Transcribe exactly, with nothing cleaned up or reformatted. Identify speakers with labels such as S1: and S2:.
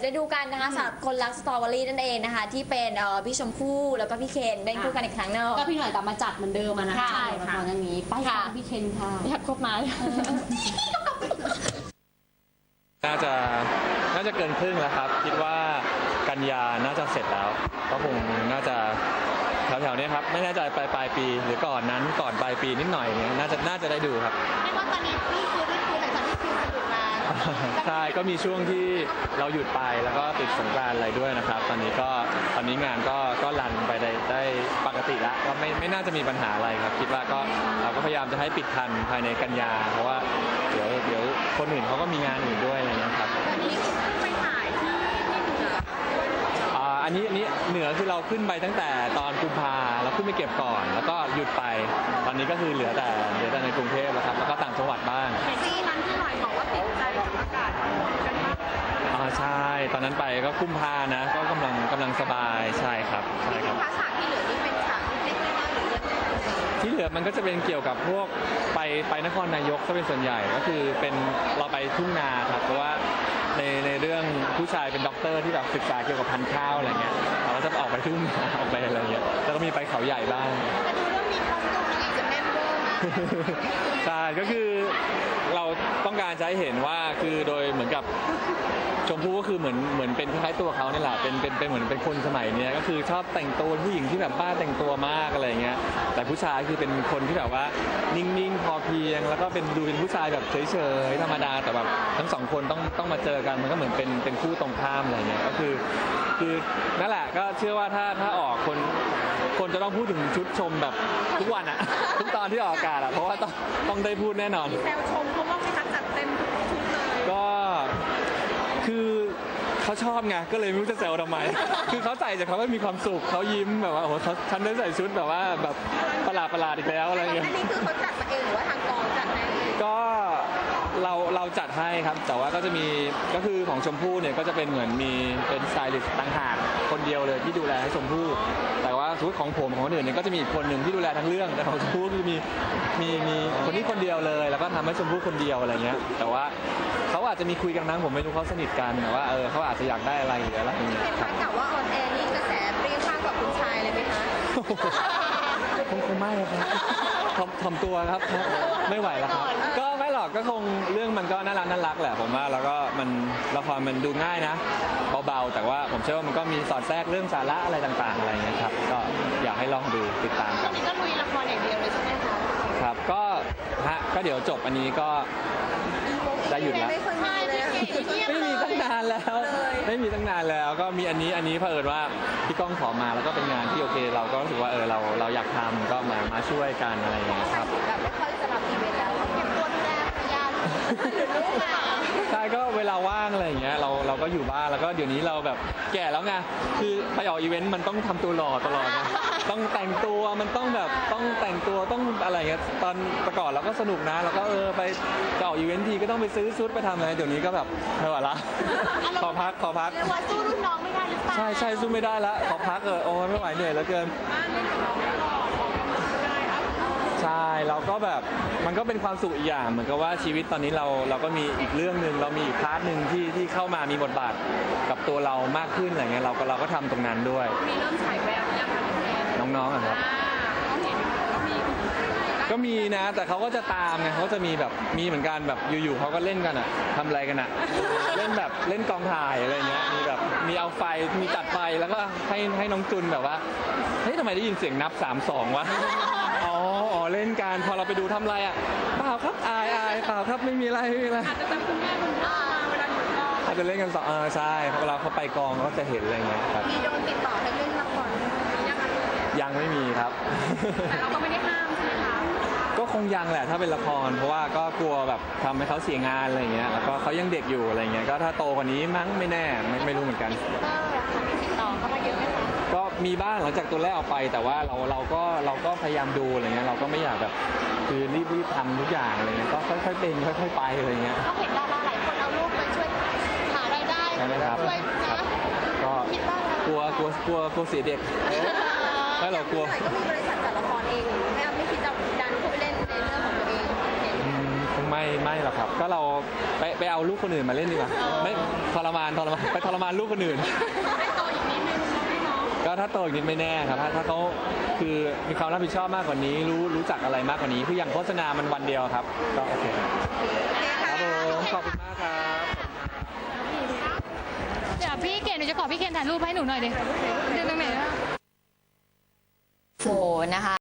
S1: ได้ดูกันนะคะสำหรับคนรักสตรอเบอรี่นั่นเองนะคะที่เป็นพี่ชมพู่แล้วก็พี่เคนเล่นคู่กันอีกครั้งนึง
S2: ก็พี่หน่อยกลับมาจัดเหมือนเดิมนะคะใช่ค่ะตอนนี้ไปค่ะพี่เคนค่ะ
S1: อยากคบมา
S3: น่าจะน่าจะเกินครึ่งแล้วครับคิดว่ากันยาน่าจะเสร็จแล้วก็คงน่าจะแถวๆนี้ครับไม่แน่ใจปลายปลายปีหรือก่อนนั้นก่อนปลายปีนิดหน่อยเนี่ยน่าจะน่าจะได้ดูครับ
S4: ไม่ว่าตอนนี้นี่คือนี่คือหลังจากที่ฟิล์มสนุกมา
S3: ใช่ก็มีช่วงที่เราหยุดไปแล้วก็ติดสงกรานต์อะไรด้วยนะครับตอนนี้ก็ตอนนี้งานก็ก็รันไปได้ได้ปกติแล้วก็ไม่ไม่น่าจะมีปัญหาอะไรครับคิดว่าก็เราก็พยายามจะให้ปิดทันภายในกันยาเพราะว่าเดี๋ยวเดี๋ยวคนอื่นเขาก็มีงานอื่นด้วยอะไรเงี้ยครับ
S4: วันนี้ไปถ่ายที่ที่เหนือ
S3: อันนี้อันนี้เหนือคือเราขึ้นไปตั้งแต่ตอนกุมภาเราขึ้นไปเก็บก่อนแล้วก็หยุดไปตอนนี้ก็คือเหลือแต่เหลือแต่ในกรุงเทพแล้วครับแล้วก็ต่างจังหวัดบ้าง
S4: ซีนั้นที่หน่อยบอกว่าติดใจกับอากาศกันมาก
S3: อ่าใช่ตอนนั้นไปก็กุมภานะก็กำลังกำลังสบายใช่ครับใช่ครับ
S4: ภาษาที่เหลือนี่เป็นฉากเล็กๆน้อยๆหรือ
S3: ที่เหลือมันก็จะเป็นเกี่ยวกับพวกไปไปนครนายกซะเป็นส่วนใหญ่ก็คือเป็นเราไปทุ่งนาครับเพราะว่าในในเรื่องผู้ชายเป็นด็อกเตอร์ที่แบบศึกษาเกี่ยวกับพันธุ์ข้าวอะไรเงี้ยเราก็จะออกไปทุ่งนาออกไปอะไรเงี้ยแล้วก็มีไปเขาใหญ่บ้าง
S4: แต่ดูเรื่องมีคอสตูมอีกจะแน่นเวอร์มาก
S3: ใช่ก็คือเราต้องการจะให้เห็นว่าคือโดยเหมือนกับชมพู่ก็คือเหมือนเหมือนเป็นคล้ายๆตัวเขาเนี่ยแหละเป็นเป็นเป็นเหมือนเป็นคนสมัยนี้ก็คือชอบแต่งตัวผู้หญิงที่แบบบ้าแต่งตัวมากอะไรเงี้ยแต่ผู้ชายคือเป็นคนที่แบบว่านิ่งๆพอเพียงแล้วก็เป็นดูเป็นผู้ชายแบบเฉยๆธรรมดาแต่แบบทั้งสองคนต้องต้องมาเจอกันมันก็เหมือนเป็นเป็นคู่ตรงข้ามอะไรเงี้ยก็คือคือนั่นแหละก็เชื่อว่าถ้าถ้าออกคนคนจะต้องพูดถึงชุดชมแบบทุกวันอะทุกตอนที่ออกอากาศอะเพราะว่าต้องต้องได้พูดแน่นอน
S4: แซวชมเขาว่าไม่ทักจัดเต็มทุกชุดเลย
S3: ก็คือเขาชอบไงก็เลยไม่รู้จะแซวทำไมคือเขาใส่แต่เขาไม่มีความสุขเขายิ้มแบบว่าโอ้โหฉันได้ใส่ชุดแบบว่าแบบประหลาดประหลาดอีกแล้วอะไรเงี้ย
S4: อันนี้คือเขาจัดมาเองหรือว่าทางกองจัดให้
S3: ก็เราเราจัดให้ครับแต่ว่าก็จะมีก็คือของชมพู่เนี่ยก็จะเป็นเหมือนมีเป็นสไตลิสต์ต่างหากคนเดียวเลยที่ดูแลให้ชมพู่แต่ว่าชุดของผมของคนอื่นเนี่ยก็จะมีอีกคนหนึ่งที่ดูแลทั้งเรื่องแต่ของชมพู่คือมีมีมีคนนี้คนเดียวเลยแล้วก็ทำให้ชมพู่คนเดียวอะไรเงี้ยแต่ว่าเขาอาจจะมีคุยกันนะผมไม่รู้เขาสนิทกันแต่ว่าเออเขาอาจจะอยากได้อะไรหรืออะไรอย่างเงี้ย
S4: เห็นข่าวว่าออนแอร์นี่กระแสเปรี้ยงมากกว่าคุณชายเลยไหมคะ
S3: คงคงไม่ครับทำทำตัวครับไม่ไหวแล้วครับก็ไม่หรอกก็คงเรื่องมันก็น่ารักน่ารักแหละผมว่าแล้วก็มันละครมันดูง่ายนะเบาๆแต่ว่าผมเชื่อว่ามันก็มีสอดแทรกเรื่องสาระอะไรต่างๆอะไรอย่างเงี้ยครับก็อยากให้ลองดูติดตามกัน
S4: นี่ก็ลุยละครอย่างเดียวเลยใช่ไหมคะ
S3: ครับก็ฮะก็เดี๋ยวจบอันนี้ก็ได้หยุดแล้วไม่มีตั้งนานแล้วไม่มีตั้งนานแล้วก็มีอันนี้อันนี้เผอิญว่าพี่ก้องขอมาแล้วก็เป็นงานที่โอเคเราก็รู้สึกว่าเออเราเราอยากทำก็มามาช่วยกันอะไรอย่างเงี้ยครับ
S4: แบบไม่ค่อยจะรับอีเวนต์แล้วเก็บตัวดูแลภรรยาหรือลูกอ่ะ
S3: ใช่ก็เวลาว่างอะไรอย่างเงี้ยเราเราก็อยู่บ้านแล้วก็เดี๋ยวนี้เราแบบแก่แล้วไงคือไปออกอีเวนต์มันต้องทำตัวหล่อตลอดไงต้องแต่งตัวมันต้องแบบต้องแต่งตัวต้องอะไรเงี้ยตอนประกอบเราก็สนุกนะแล้วก็เออไปจะออกอีเวนต์ทีก็ต้องไปซื้อชุดไปทำอะไรเดี๋ยวนี้ก็แบบไม่ไหวละขอพักขอพัก
S4: เรียกว่าสู้รุ่นน้องไม่ได้หรือเปล่า
S3: ใช่ใช่สู้ไม่ได้ละขอพักเออโอ้ไม่ไหวเหนื่อยเหลือเกินใช่เราก็แบบมันก็เป็นความสุขอีกอย่างเหมือนกับว่าชีวิตตอนนี้เราเราก็มีอีกเรื่องหนึ่งเรามีอีกพาร์ทหนึ่งที่ที่เข้ามามีบทบาทกับตัวเรามากขึ้นอะไรเงี้ยเราก็เราก็ทำตรงนั้นด้วย
S4: มีเริ่มฉายแววยังคะ
S3: น้องๆอ่ะครับก็มีนะแต่เขาก็จะตามไงเขาจะมีแบบมีเหมือนกันแบบอยู่ๆเขาก็เล่นกันอ่ะทำอะไรกันอ่ะเล่นแบบเล่นกองถ่ายอะไรเงี้ยมีแบบมีเอาไฟมีตัดไฟแล้วก็ให้ให้น้องจุนแบบว่าเฮ้ยทำไมได้ยินเสียงนับสามสองวะอ๋ออ๋อเล่นกันพอเราไปดูทำอะไรอ่ะเปล่าครับอายอายเปล่าครับไม่มีอะไรไม่มีอะไร
S4: อาจจะจำคุณแม่คุณพ่อเวลาอยู่กอง
S3: อาจจะเล่นกันสองเออใช่เวลาเขาไปกองเขาจะเห็นอะไรเงี้ยครับ
S4: มีโดนติดต่อให้เล่นละครยัง
S3: ยังไม่มีครับ
S4: แต่เราก็ไม่ได้ห้ามใช่ไหมคะ
S3: ก็คงยังแหละถ้าเป็นละครเพราะว่าก็กลัวแบบทำให้เขาเสียงานอะไรเงี้ยแล้วก็เขายังเด็กอยู่อะไรเงี้ยก็ถ้าโตกว่านี้มั้งไม่แน่ไม่ไม่รู้เหมือนกัน
S4: ติดต่อเข้ามาเยอะไหมคะ
S3: ก็มีบ้างหลังจากตัวแรกออกไปแต่ว่าเราเราก็เราก็พยายามดูอะไรเงี้ยเราก็ไม่อยากแบบคือรีบรีบทำทุกอย่างอะไรเงี้ยก็ค่อยๆเป็นค่อยๆไปอะไรเงี้ย
S4: เขาเห็นดาราหลายคนเอารูปไปช่วยหารายได้ช่วยนะ
S3: ก็กลัวกลัวกลัวกลัวเสียเด็กไม่เรากลัว
S4: ก็มีบริษัทจัดละครเองไม่ไม่คิดจะดันเข้าไปเล่นในเรื่องของตัวเอง
S3: คงไม่ไม่ไม่หรอกครับ ก็เราไปไปเอาลูกคนอื่นมาเล่นดีกว่าไม่ทรมานทรมานไปทรมานลูกคนอื่น
S4: ให้โตอีกนิดนึงเนาะ
S3: ก็ถ้าโตอีกนิดไม่แน่ครับถ้าถ้าเขาคือมีความรับผิดชอบมากกว่านี้ รู้รู้จักอะไรมากกว่านี้คืออย่างโฆษณามันวันเดียวครับก็โอเคครับผมขอบคุณมากครับ
S5: เดี๋ยวพี่เกณฑ์หนูจะขอพี่เคนถ่ายรูปให้หนูหน่อยดิเดินตรงไหนอะ
S1: โอ้นะคะ